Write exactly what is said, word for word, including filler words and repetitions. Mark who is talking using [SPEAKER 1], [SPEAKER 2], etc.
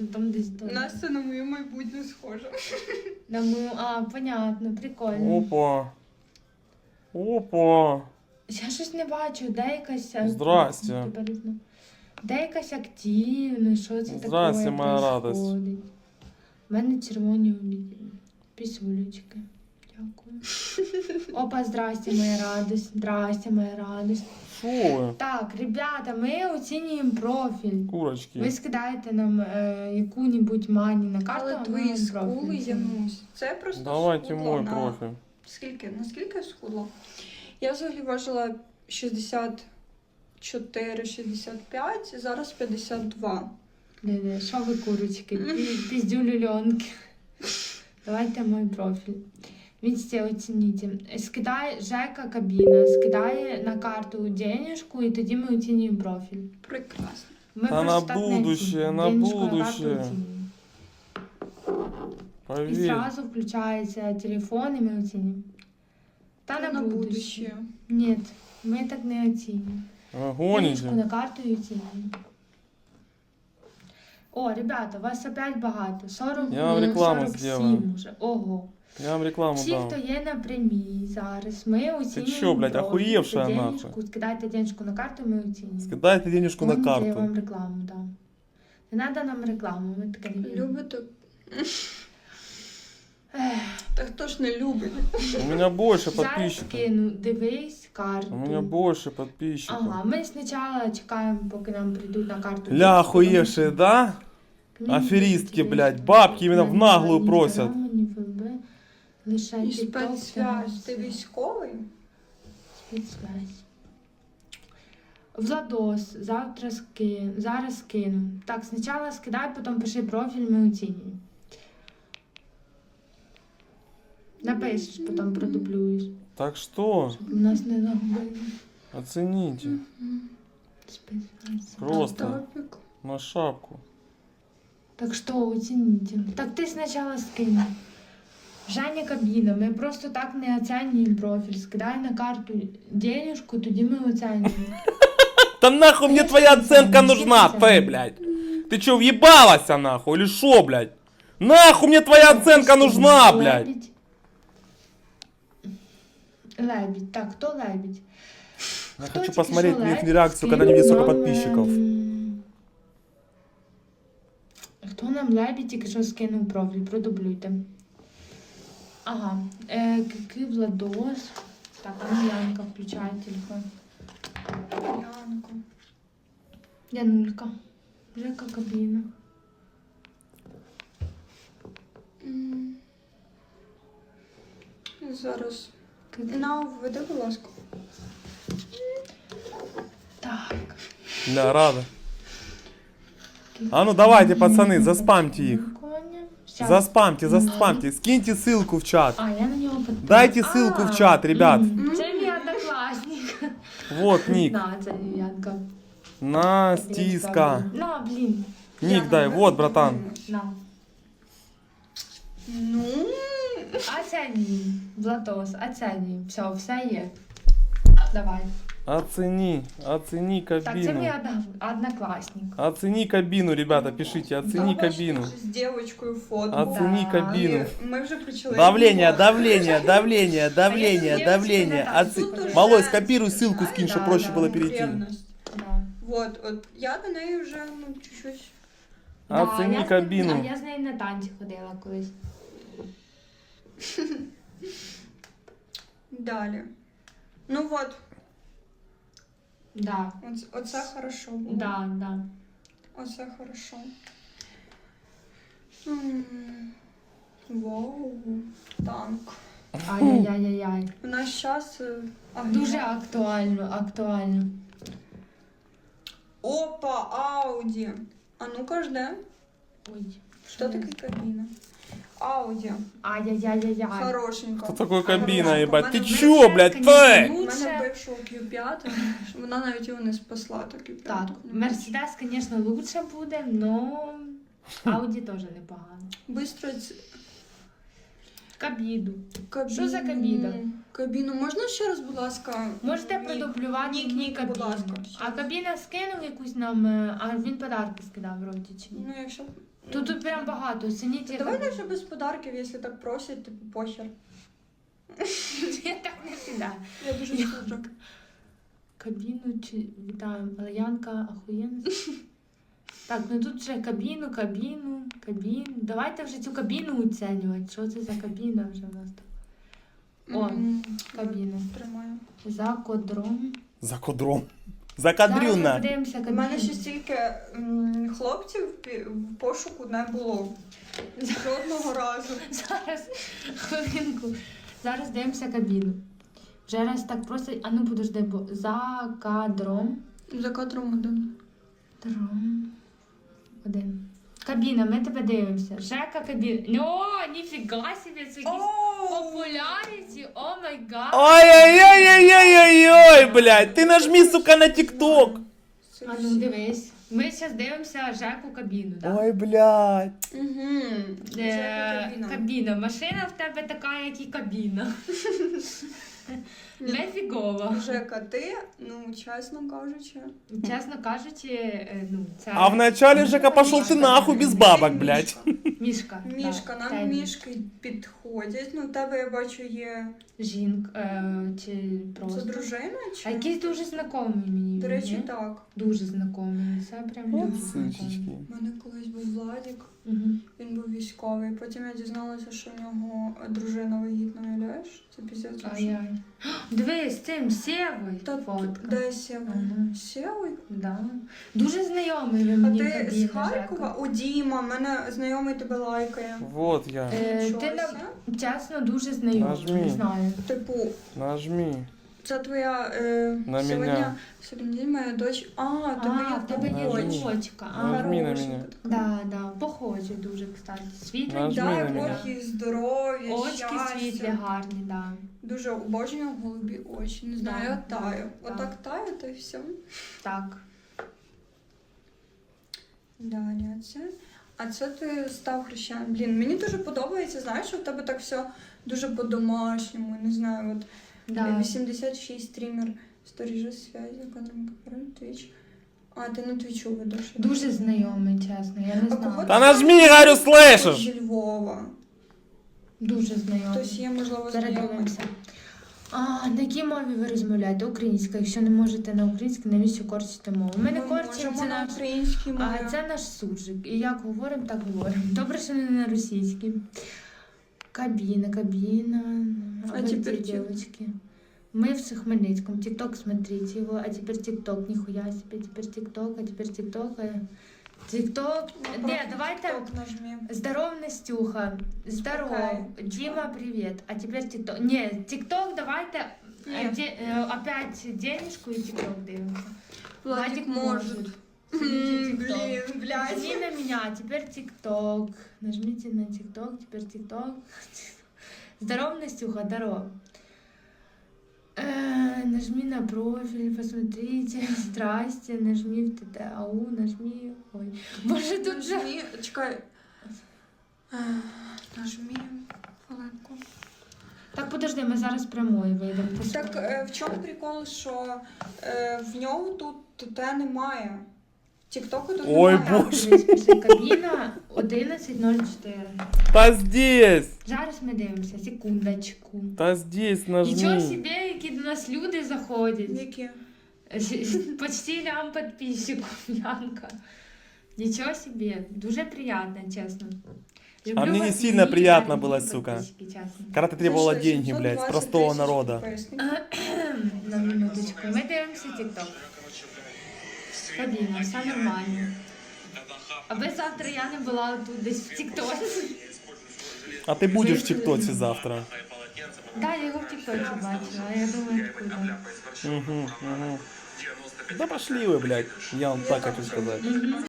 [SPEAKER 1] може там десь то.
[SPEAKER 2] Настя на мою майбутню схожа.
[SPEAKER 1] На мою... А, понятно, прикольно.
[SPEAKER 3] Опа. Опа.
[SPEAKER 1] Я щось не бачу, де якась...
[SPEAKER 3] Здрасте.
[SPEAKER 1] Де якась активна, що це таке?
[SPEAKER 3] Здрасте, моя радость.
[SPEAKER 1] У мене червоні обіді. Пісюлечки. Дякую. Опа, здрасте, моя радость. Здрасте, моя радость.
[SPEAKER 3] Шо ви?
[SPEAKER 1] Так, ребята, ми оцінюємо профіль.
[SPEAKER 3] Курочки.
[SPEAKER 1] Ви скидаєте нам е, яку-небудь мані на карту,
[SPEAKER 2] Але
[SPEAKER 1] а ми
[SPEAKER 2] твої
[SPEAKER 1] вам
[SPEAKER 2] скули,
[SPEAKER 1] профіль.
[SPEAKER 2] Янусь. Це просто
[SPEAKER 3] Давайте
[SPEAKER 2] схудла
[SPEAKER 3] мой
[SPEAKER 2] на...
[SPEAKER 3] профіль.
[SPEAKER 2] Скільки? Наскільки я схудла? Я взагалі важила шістдесят чотири шістдесят п'ять, зараз п'ятдесят два.
[SPEAKER 1] Де-де, що ви, курочки? Пі- Піздюлюльонки. Давайте мой профіль. Видите, оцініть. Скидає Жека кабіна, скидає на карту денежку, і тоді ми оцінюємо профіль.
[SPEAKER 2] Прекрасно.
[SPEAKER 1] Ми
[SPEAKER 3] Та
[SPEAKER 1] просто
[SPEAKER 3] на
[SPEAKER 1] так не
[SPEAKER 3] будущее,
[SPEAKER 1] оцінюємо.
[SPEAKER 3] на
[SPEAKER 1] Денежку карту
[SPEAKER 3] будущее.
[SPEAKER 1] оцінюємо. І
[SPEAKER 3] Поверь.
[SPEAKER 1] зразу включається телефон, і ми оцінюємо. Та на,
[SPEAKER 2] на
[SPEAKER 1] будущее.
[SPEAKER 2] будущее.
[SPEAKER 1] Ні, ми так не оцінюємо.
[SPEAKER 3] Ви
[SPEAKER 1] Денежку
[SPEAKER 3] гоните?
[SPEAKER 1] на карту і оцінюємо. О, ребята, вас опять багато. сорок,
[SPEAKER 3] Я вам
[SPEAKER 1] ну,
[SPEAKER 3] рекламу
[SPEAKER 1] сорок сім
[SPEAKER 3] сделаю.
[SPEAKER 1] уже. Ого.
[SPEAKER 3] Я вам рекламу
[SPEAKER 1] Всі,
[SPEAKER 3] дам.
[SPEAKER 1] хто є на прямій зараз, ми оцінюємо.
[SPEAKER 3] чо, блядь,
[SPEAKER 1] профіль.
[SPEAKER 3] охуєвшая
[SPEAKER 1] За
[SPEAKER 3] нахуй?
[SPEAKER 1] денежку, скидайте денежку на карту, ми оцінюємо.
[SPEAKER 3] Скидайте денежку на
[SPEAKER 1] Помните, я вам
[SPEAKER 3] карту.
[SPEAKER 1] рекламу дам. Не треба нам рекламу, ми таке не любимо.
[SPEAKER 2] Любите?
[SPEAKER 1] Ех,
[SPEAKER 2] Та хто ж не любить?
[SPEAKER 3] У меня больше
[SPEAKER 1] Зараз
[SPEAKER 3] подписчиков.
[SPEAKER 1] кину, дивись карту.
[SPEAKER 3] У меня больше подписчиков.
[SPEAKER 1] Ага, ми спочатку чекаємо, поки нам прийдуть на карту.
[SPEAKER 3] Ля, охуевшие, да? Аферистки, блядь, бабки именно в наглую просят.
[SPEAKER 1] Лише
[SPEAKER 2] І
[SPEAKER 1] TikTok,
[SPEAKER 2] спецсвязь. Ти
[SPEAKER 1] Instagram.
[SPEAKER 2] військовий?
[SPEAKER 1] Спецсвязь. Владос, завтра скину, зараз скину. Так, спочатку скидай, потім пиши профіль, ми оцінюємо. Напишеш, потім продублюєш.
[SPEAKER 3] Так что,
[SPEAKER 1] Щоб у нас не загубили.
[SPEAKER 3] оцените.
[SPEAKER 1] Спецсвязь.
[SPEAKER 3] Просто
[SPEAKER 2] Топік.
[SPEAKER 3] на шапку.
[SPEAKER 1] Так що оцініть. Так ти спочатку скинь. Женя кабіна, ми просто так не оцінюємо профіль. Скидай на карту денежку, тоді ми оцінюємо.
[SPEAKER 3] Да нахуй мне твоя оценка нужна, ты, блядь? Ты чё, въебалась нахуй или шо, блядь? Нахуй мне твоя оценка нужна, блядь?
[SPEAKER 1] Лебідь. Лебідь. Так, хто лебідь?
[SPEAKER 3] Я
[SPEAKER 1] Хто
[SPEAKER 3] хочу
[SPEAKER 1] тільки
[SPEAKER 3] посмотреть
[SPEAKER 1] що
[SPEAKER 3] их
[SPEAKER 1] лебідь
[SPEAKER 3] реакцию, когда не
[SPEAKER 1] скинув
[SPEAKER 3] видят столько
[SPEAKER 1] нам,
[SPEAKER 3] подписчиков.
[SPEAKER 1] ем, Хто нам лебідь тільки що скинув профіль? Продублюйте. Ага. Е, Кики Владос. Так, а ну Янка, включай телефон.
[SPEAKER 2] Янко.
[SPEAKER 1] Янулька. Жека кабіна.
[SPEAKER 2] М. Зараз.
[SPEAKER 1] Кики.
[SPEAKER 2] На, введи, будь ласка.
[SPEAKER 1] Так.
[SPEAKER 3] Бля, рада. А ну давайте, пацаны, заспамьте их.
[SPEAKER 1] Коня. Щас.
[SPEAKER 3] Заспамьте, заспамьте. Скиньте ссылку в чат.
[SPEAKER 1] А, я на нього підписана.
[SPEAKER 3] Дайте ссылку в чат, ребят.
[SPEAKER 1] М, Це мій однокласник.
[SPEAKER 3] Вот ник.
[SPEAKER 1] На, це Янка.
[SPEAKER 3] Настиска.
[SPEAKER 1] На, блін.
[SPEAKER 3] Ник дай, вот, братан.
[SPEAKER 1] На.
[SPEAKER 2] Ну,
[SPEAKER 1] Оцінюй. Владос, оцінюй. Все, все є. Давай.
[SPEAKER 3] Оцени, оцени
[SPEAKER 1] Так, це мій
[SPEAKER 3] кабину.
[SPEAKER 1] одно- однокласник.
[SPEAKER 3] Оцени кабину, ребята, пишите, оцени
[SPEAKER 2] бачиш,
[SPEAKER 3] кабину.
[SPEAKER 2] з дівчинкою фото.
[SPEAKER 3] Оцени
[SPEAKER 1] Да.
[SPEAKER 3] кабину.
[SPEAKER 2] І Ми вже почали.
[SPEAKER 3] Давление, давление, давление,
[SPEAKER 1] А
[SPEAKER 3] давление,
[SPEAKER 1] я
[SPEAKER 3] давление.
[SPEAKER 1] тут
[SPEAKER 3] Оце-
[SPEAKER 1] девочка на
[SPEAKER 3] Малой,
[SPEAKER 2] танці.
[SPEAKER 3] скопируй ссылку, скинь,
[SPEAKER 1] Да,
[SPEAKER 3] чтобы проще
[SPEAKER 1] да,
[SPEAKER 3] было
[SPEAKER 1] да.
[SPEAKER 3] перейти.
[SPEAKER 2] Ревность.
[SPEAKER 1] Да.
[SPEAKER 2] Вот, от я до неї вже, ну, чуть-чуть.
[SPEAKER 1] Да,
[SPEAKER 3] Оцени
[SPEAKER 1] я з ним-
[SPEAKER 3] кабину.
[SPEAKER 1] А я з нею на танці ходила колись.
[SPEAKER 2] Далі. Ну от,
[SPEAKER 1] Да.
[SPEAKER 2] оце, оце хорошо було.
[SPEAKER 1] Да, да.
[SPEAKER 2] Оце хорошо. М, Вау, танк.
[SPEAKER 1] Ай-яй-яй-яй.
[SPEAKER 2] У нас час
[SPEAKER 1] Дуже актуально, актуально.
[SPEAKER 2] Опа, Ауді. А ну-ка жде.
[SPEAKER 1] Ой.
[SPEAKER 2] Що таке кабіна? Ауді.
[SPEAKER 1] Ай-яй-яй-яй-яй.
[SPEAKER 2] Хорошенько.
[SPEAKER 3] Что такое кабина,
[SPEAKER 2] Хорошенько.
[SPEAKER 3] ебать?
[SPEAKER 2] У
[SPEAKER 3] Ты
[SPEAKER 2] мене-
[SPEAKER 3] чё, блядь, ты?
[SPEAKER 2] У
[SPEAKER 1] Лучше.
[SPEAKER 2] мене бившого кью п'ять, вона навіть його не спасла, то кью п'ять.
[SPEAKER 1] Так, Мерседес, звісно, лучше буде, но Ауді теж непогано.
[SPEAKER 2] Бистро ц-
[SPEAKER 1] Кабіду.
[SPEAKER 2] кабіну.
[SPEAKER 1] Що за кабіна?
[SPEAKER 2] Кабіну. Можна ще раз, будь ласка?
[SPEAKER 1] Можете
[SPEAKER 2] Нік.
[SPEAKER 1] продублювати
[SPEAKER 2] Нік,
[SPEAKER 1] мені
[SPEAKER 2] нік, будь
[SPEAKER 1] кабіну.
[SPEAKER 2] ласка.
[SPEAKER 1] А кабіна скинув якусь нам, е, а він подарки скидав вроді чи ні?
[SPEAKER 2] Ну, якщо...
[SPEAKER 1] Тут, тут прям багато. Оцініть.
[SPEAKER 2] Давай лише без подарків, якщо так просять, типу похер.
[SPEAKER 1] Я так не піда.
[SPEAKER 2] Я дуже не хочу.
[SPEAKER 1] Кабіну чи вітаємо. Янка ахуєнна. Так, ну тут вже кабіну, кабіну, кабіну. Давайте вже цю кабіну оцінювати. Що це за кабіна вже у нас тут? О,
[SPEAKER 2] М,
[SPEAKER 1] кабіну.
[SPEAKER 2] Тримаю.
[SPEAKER 1] За кодром.
[SPEAKER 3] За кодром. За
[SPEAKER 1] Зараз ми
[SPEAKER 3] кадрюна.
[SPEAKER 1] подивимося
[SPEAKER 2] У
[SPEAKER 1] кабіну.
[SPEAKER 2] мене ще стільки м, хлопців пі- в пошуку не було. Жодного разу.
[SPEAKER 1] Зараз, хвилинку. Зараз дивимося кабіну. Вже раз так просто. А ну подожди, бо за кадром.
[SPEAKER 2] За кадром один.
[SPEAKER 1] Дром. Один. Кабіна, ми тебе дивимося. Жека кабіна. О, ніфіга собі, це якісь популярність. О май гад.
[SPEAKER 3] Ой-ой-ой-ой-ой-ой, блядь. Ти нажми, сука, на тік-ток.
[SPEAKER 1] А ну дивись. Ми зараз дивимося Жеку кабіну, так?
[SPEAKER 3] Ой, блядь.
[SPEAKER 2] Угу.
[SPEAKER 1] Е, кабіна. Машина в тебе така, як і кабіна. Нефігово.
[SPEAKER 2] Жека, ти, ну, чесно кажучи.
[SPEAKER 1] Чесно кажучи, е, ну, це...
[SPEAKER 3] А вначале Жека пошел ты нахуй без бабок, блядь.
[SPEAKER 1] Мішка.
[SPEAKER 2] Мішка,
[SPEAKER 1] так,
[SPEAKER 2] нам
[SPEAKER 1] це
[SPEAKER 2] мішки підходять. Ну, в тебе, я бачу, є.
[SPEAKER 1] Жінка, е, чи
[SPEAKER 2] Це
[SPEAKER 1] просто...
[SPEAKER 2] дружина
[SPEAKER 1] А
[SPEAKER 2] чи?
[SPEAKER 1] якийсь дуже знайомий мені.
[SPEAKER 2] До
[SPEAKER 1] він,
[SPEAKER 2] речі,
[SPEAKER 1] ні?
[SPEAKER 2] так.
[SPEAKER 1] Дуже знайомий. Це прям
[SPEAKER 3] От
[SPEAKER 1] дуже знайомий.
[SPEAKER 3] сучечки.
[SPEAKER 2] У мене колись був Владик,
[SPEAKER 1] Угу.
[SPEAKER 2] він був військовий. Потім я дізналася, що в нього дружина вагітна, уявляєш? Це піздець.
[SPEAKER 1] Ай-яй. Дивись, з цим Сєвою
[SPEAKER 2] Та
[SPEAKER 1] фотка.
[SPEAKER 2] де Сєва?
[SPEAKER 1] Ага.
[SPEAKER 2] Сєвий?
[SPEAKER 1] Да. Дуже знайомий ви
[SPEAKER 2] А
[SPEAKER 1] мені
[SPEAKER 2] ти
[SPEAKER 1] кабіна,
[SPEAKER 2] з Харкова?
[SPEAKER 1] Жека.
[SPEAKER 2] У Діма, мене знайомий тебе лайкає.
[SPEAKER 3] Вот я.
[SPEAKER 1] Е,
[SPEAKER 2] Нічого
[SPEAKER 1] ти на...
[SPEAKER 2] себе.
[SPEAKER 1] чесно дуже знайомий,
[SPEAKER 3] Нажми.
[SPEAKER 1] не знаю.
[SPEAKER 2] Типу,
[SPEAKER 3] Нажми.
[SPEAKER 2] це твоя е,
[SPEAKER 3] На
[SPEAKER 2] сьогодні,
[SPEAKER 3] мене.
[SPEAKER 2] сьогодні день моя дочь. А, тобі
[SPEAKER 1] А,
[SPEAKER 2] є
[SPEAKER 1] в тебе є
[SPEAKER 3] Нажми.
[SPEAKER 1] дочка. А,
[SPEAKER 3] Нажми на
[SPEAKER 2] хороша
[SPEAKER 3] мене.
[SPEAKER 2] така.
[SPEAKER 1] да, да, похожі дуже, кстати. Світлі,
[SPEAKER 3] Нажми
[SPEAKER 2] Дай
[SPEAKER 3] на мене.
[SPEAKER 2] Бог їй здоров'я,
[SPEAKER 1] очки
[SPEAKER 2] щастя.
[SPEAKER 1] світлі, гарні, да.
[SPEAKER 2] Дуже обожнюю голубі очі. Не знаю,
[SPEAKER 1] Да,
[SPEAKER 2] я таю.
[SPEAKER 1] да, да.
[SPEAKER 2] Отак таю, то і все.
[SPEAKER 1] Так.
[SPEAKER 2] Далі, а це. А це ти став хрещеним. Блін, мені дуже подобається, знаєш, що в тебе так все дуже по-домашньому. Не знаю, от
[SPEAKER 1] Да.
[SPEAKER 2] вісімдесят шість стрімер, сторіжа зв'язі, кадром кафе, твіч. А, ти на твічу ведеш.
[SPEAKER 1] Дуже знайомий, чесно, я не
[SPEAKER 2] А кого
[SPEAKER 1] знаю.
[SPEAKER 3] Та нажми, говорю, слышишь?
[SPEAKER 2] Зі Львова.
[SPEAKER 1] Дуже знайомий.
[SPEAKER 2] Хтось є, можливо,
[SPEAKER 1] Зараз
[SPEAKER 2] знайомий.
[SPEAKER 1] дивимося. А, на якій мові ви розмовляєте? Українська. Якщо не можете на українській, навіщо корчите мову? Ми не
[SPEAKER 2] Ми
[SPEAKER 1] корчимо,
[SPEAKER 2] можемо
[SPEAKER 1] це
[SPEAKER 2] на
[SPEAKER 1] наш...
[SPEAKER 2] українській мові.
[SPEAKER 1] А це наш суржик. І як говоримо, так говоримо. Добре, що не на російській. Кабіна, кабіна.
[SPEAKER 2] А
[SPEAKER 1] вы
[SPEAKER 2] теперь
[SPEAKER 1] где,
[SPEAKER 2] тик-
[SPEAKER 1] девочки? Мы в Хмельницком. Тикток, смотрите его. А теперь тикток. Нихуя себе. Теперь тикток, а теперь тикток. а Тикток. Не, давайте...
[SPEAKER 2] TikTok нажми.
[SPEAKER 1] Здоров, Настюха. Здоров.
[SPEAKER 2] Окей.
[SPEAKER 1] Дима, привет. А теперь тикток. Не, тикток давайте...
[SPEAKER 2] Нет.
[SPEAKER 1] э, де- э, опять денежку и тикток дивимся.
[SPEAKER 2] Владик может.
[SPEAKER 1] Смотрите
[SPEAKER 2] М,
[SPEAKER 1] тикток.
[SPEAKER 2] Блин, блядь.
[SPEAKER 1] Нажми на меня, а теперь ТикТок. Нажмите на ТикТок, теперь ТикТок. Здоров, Настюха, здоров. Э, нажми на профиль, посмотрите. Здрасте, нажми в ТТ. Ау, нажми. Ой. Боже, тут же...
[SPEAKER 2] Нажми, чекай. Е, Нажми хвилинку.
[SPEAKER 1] Так, подожди, ми зараз прямою вийдемо. Ти
[SPEAKER 2] Так
[SPEAKER 1] що?
[SPEAKER 2] е, в чому прикол, що е, в нього тут ТТ немає. Тіктоку тут
[SPEAKER 3] Ой,
[SPEAKER 2] немає.
[SPEAKER 3] Боже.
[SPEAKER 1] Дивись, пише кабіна одинадцять ноль чотири.
[SPEAKER 3] Та здесь.
[SPEAKER 1] Зараз ми дивимося, секундочку.
[SPEAKER 3] Та здесь
[SPEAKER 1] Нічого
[SPEAKER 3] нажми.
[SPEAKER 1] собі, які до нас люди заходять.
[SPEAKER 2] Які?
[SPEAKER 1] Почти лям подписчиков, Янка. Ничего себе, дуже приятно, честно. Люблю
[SPEAKER 3] А мне не
[SPEAKER 1] вас,
[SPEAKER 3] сильно
[SPEAKER 1] и
[SPEAKER 3] приятно
[SPEAKER 1] дорогие
[SPEAKER 3] было, сука.
[SPEAKER 1] подписчики, честно.
[SPEAKER 3] Когда ты требовала
[SPEAKER 2] За що,
[SPEAKER 3] деньги,
[SPEAKER 2] сімсот
[SPEAKER 3] блядь, с
[SPEAKER 2] двадцять
[SPEAKER 3] простого
[SPEAKER 2] тисяч
[SPEAKER 3] народа.
[SPEAKER 2] підписників?
[SPEAKER 1] На минуточку, ми дивимося TikTok. Кабіна, все нормально. Аби завтра я не була тут десь в TikTok.
[SPEAKER 3] А ты будешь в ТикТоке завтра.
[SPEAKER 1] Да, я його в TikTok бачила, а я думаю, откуда.
[SPEAKER 3] Угу, угу. Да пошли вы, блядь. Я вам так хочу сказать.
[SPEAKER 1] Мгм.